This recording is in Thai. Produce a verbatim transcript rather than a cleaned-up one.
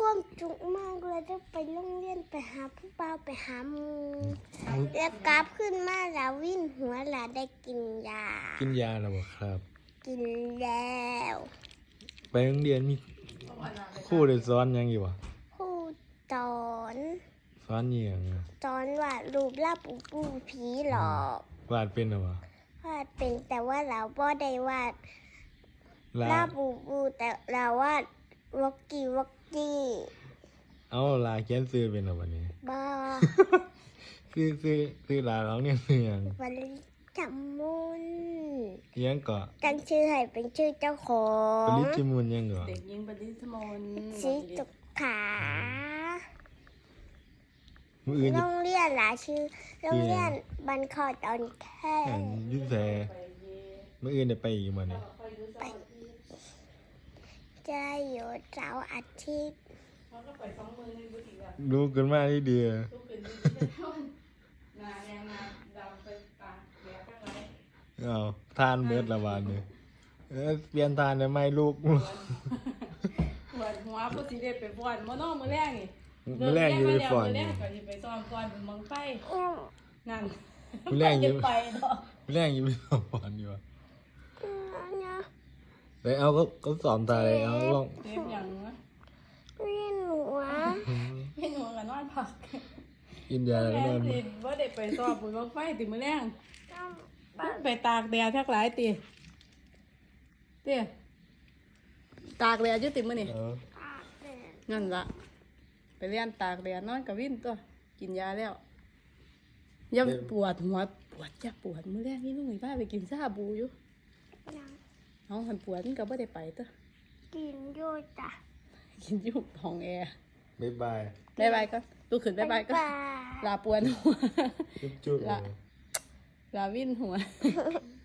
ความจุกมากเลยจะไปโรงเรียนไปหาผู้บ่าวไปหาหมูแล้วกลับขึ้นมาแล้ววิ่นหัวแล้วได้กินยากินยาแล้วบ่ครับกินแล้วไปโรงเรียนมีครูได้สอนหยังอยู่บ่ครูสอนสอนอีหยังอะสอนวาดรูปลาปูปูผีหลอกวาดเป็นหรอบ่วาดเป็นแต่ว่าเราบ่ได้วาดลาลาปูปูแต่เราวาดวอกกี้วอกกี้เอาลาเขียนชื่อเป็นหรอบัดนี้บ้าชื่อชื่อชื่อลาร้องเนี่ยชื่อหยังวันจำมุนอิหยังก็ตั้งชื่อให้เป็นชื่อเจ้าขอปงริจิมุนหยังก็เด็กหญิงปริศมนสีตุกขามื้ออื่นโรจะงเรียนหลาชื่อโรงเรียนบันคอตอนแค่อันอยุ่แสมื้ออื่นได้ไปอีกบ่เนี่ยไปจะอยู่เสาร์อาทิตย์รู้กันมาดีเดียวนาแดงนาดำไปตาแดงข้างในเอาทานเบิดละบาดนี้เออเปลี่ยนทานได้ไหมลูกปวดหัวผู้สิได้ไปฟ้อนมื้อน้อมื้อแรกนี่มื้อแรกอยู่ไปฟ้อนมื้อแรนี่กก็สิไปซ้อมฟ้อนเป็นมังไฟอืมนั่นมื้อแรกอยู่ไปดอกมื้อแรกอยู่ไปฟ้อนอยู่ว่ะอืมนะได้เอาก็ก็สอนตาเลยเอาลองเจ็บหยังนะเวียนหัวเห็นหัวก็นอนพักกินยาแล้วแม่ก็นอนสิบ่ได้ไปซ้อมเป็นมังไฟติมื้อแรกต้องไปตากแดดทักหลายติเตี้ยตากแดดอยู่ติมื้อนี่เอออาบแดดนั่นละไปเรียนตากแดดนอนกับวินตัวกินยาแล้วยังปวดหัวปวดจะปวดมื้อแรกนี่ลุงอีบ้าไปกินซาบูอยู่ยังน้องหันปวดมันก็บ่ได้ไปตัวกินโยจ้ะกินอยู่ห้องแอร์บ๊ายบายบ๊ายบายก็ลุกขึ้นบ๊ายบายก็บ๊ายบายลาปวดหัวจุ๊บจุ๊บลาลาวินหัว